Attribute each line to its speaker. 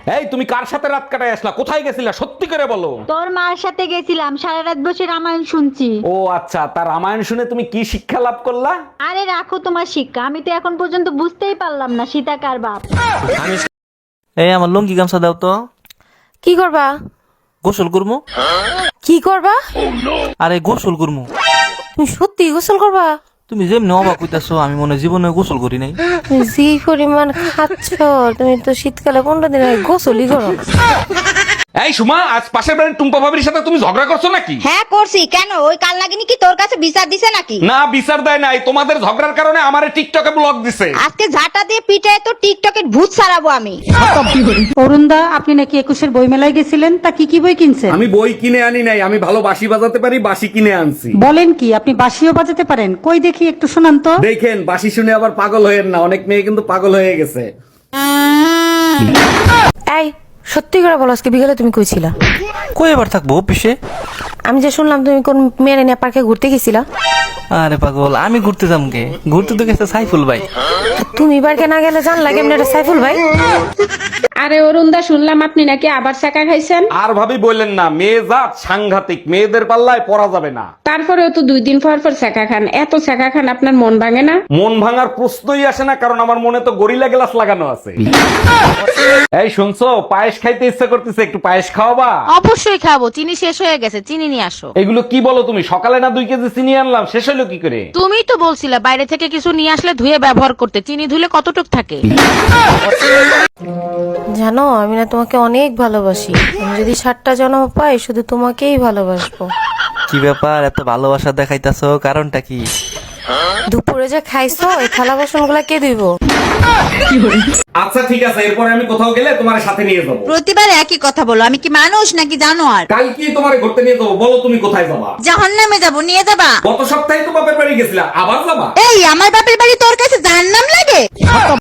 Speaker 1: এই তুমি কার সাথে রাত কাটায় আসলা, কোথায় গেছিলা, সত্যি করে বলো।
Speaker 2: তোর মার সাথে গেছিলাম, সারা রাত বসে রামায়ণ শুনছি।
Speaker 1: ও আচ্ছা, তার রামায়ণ শুনে তুমি কি শিক্ষা লাভ করলা?
Speaker 2: আরে রাখো তোমার শিক্ষা, আমি তো এখন পর্যন্ত বুঝতেই পারলাম না সীতা কার বাপ।
Speaker 3: এই আমার লুঙ্গি গামছা দাও তো।
Speaker 4: কি করবা?
Speaker 3: গোসল করমু।
Speaker 4: কি করবা?
Speaker 3: আরে গোসল করমু।
Speaker 4: তুমি সত্যি গোসল করবা?
Speaker 3: তুমি যেমনি অবাক হইতাছো, আমি মনে হয় জীবনে গোসল করি নাই।
Speaker 4: তুমি যে পরিমাণ খাচ্ছ, তুমি তো শীতকালে 15 দিন আগে গোসলই করো না।
Speaker 1: এই সুমা, আজ পাশের বাড়ির টুম্পা ভাবির সাথে তুমি ঝগড়া করছো নাকি?
Speaker 5: হ্যাঁ করছি। কেন, ওই কাল নাগিনী কি তোর কাছে বিচার দিছে নাকি?
Speaker 1: না, বিচার দেয় নাই, তোমাদের ঝগড়ার কারণে আমারে টিকটকে ব্লক দিছে।
Speaker 5: আজকে ঝাঁটা দিয়ে পিটায় তো টিকটকের ভূত ছাড়াবো আমি।
Speaker 6: অরুণদা, আপনি নাকি 21-এর বই মেলায় গেছিলেন, তা কি কি বই কিনছেন?
Speaker 1: আমি বই কিনে আনি নাই, আমি ভালো বাঁশি বাজাতে পারি, বাঁশি কিনে আনছি।
Speaker 6: বলেন কি, আপনি বাঁশিও বাজাতে পারেন? কই দেখি একটু শোনান তো।
Speaker 1: দেখেন, বাঁশি শুনে আবার পাগল হয়েন না, অনেক মেয়ে কিন্তু পাগল হয়ে গেছে।
Speaker 4: এই সত্যি করে বলো, আজকে বিকেলে তুমি কইছিলা?
Speaker 3: কই এবার থাকবো অফিসে।
Speaker 4: আমি যে শুনলাম তুমি কোন মেয়ে নিয়ে পার্কে ঘুরতে গেছিলা।
Speaker 3: আরে পাগল, আমি ঘুরতে যাম কে? ঘুরতে তো গেছে সাইফুল ভাই।
Speaker 4: তুমি পার্কে না গেলে জানলা কেমন এটা সাইফুল ভাই?
Speaker 7: আরে অরুণদা, শুনলাম আপনি নাকি আবার চাকা খাইছেন।
Speaker 1: আর ভাবি বললেন না, মেয়ে জাত সাংঘাতিক, মেয়েদের পাল্লায় পড়া যাবে না।
Speaker 7: তারপরেও তো 2 দিন পর পর চাকা খান, এত চাকা খান আপনার মন ভাঙে না?
Speaker 1: মন ভাঙার প্রশ্নই আসে না, কারণ আমার মনে তো গরিলা গ্লাস লাগানো আছে। এই শুনছো, পায়েস খাইতে ইচ্ছা করতেছে, একটু পায়েস খাওয়াবা?
Speaker 8: অবশ্যই খাবো, চিনি শেষ হয়ে গেছে, চিনি নিয়ে আসো।
Speaker 1: এগুলো কি বলো তুমি, সকালে না 2 কেজি চিনি আনলাম, শেষ হলো কি করে?
Speaker 8: তুমিই তো বলছিলে বাইরে থেকে কিছু নিয়ে আসলে ধুয়ে ব্যবহার করতে, চিনি ধুলে কতটুক থাকে।
Speaker 4: জানো, আমি না তোমাকে অনেক ভালোবাসি। আমি যদি 7টা জন্ম পাই, শুধু তোমাকেই ভালোবাসবো।
Speaker 3: কি ব্যাপার, এত ভালোবাসা দেখাইতাছো, কারণটা কি?
Speaker 4: দুপুরে যে খাইছো, এই থালা বাসন গুলা কে ধুইবো?
Speaker 1: আচ্ছা ঠিক আছে, এরপরে আমি কোথাও গেলে তোমার সাথে নিয়ে যাবো।
Speaker 5: প্রতিবার একই কথা বলো, আমি কি মানুষ নাকি জানো? আর
Speaker 1: কাল কি তোমার ঘুরতে নিয়ে যাবো, বলো তুমি কোথায় যাবা?
Speaker 5: জাহান্নামে যাবো, নিয়ে যাবা?
Speaker 1: গত সপ্তাহে তো বাপের বাড়ি গেছিলা, আবার যাবা?
Speaker 5: এই আমার বাপের বাড়ি তোর কাছে জাহান্নাম লাগে?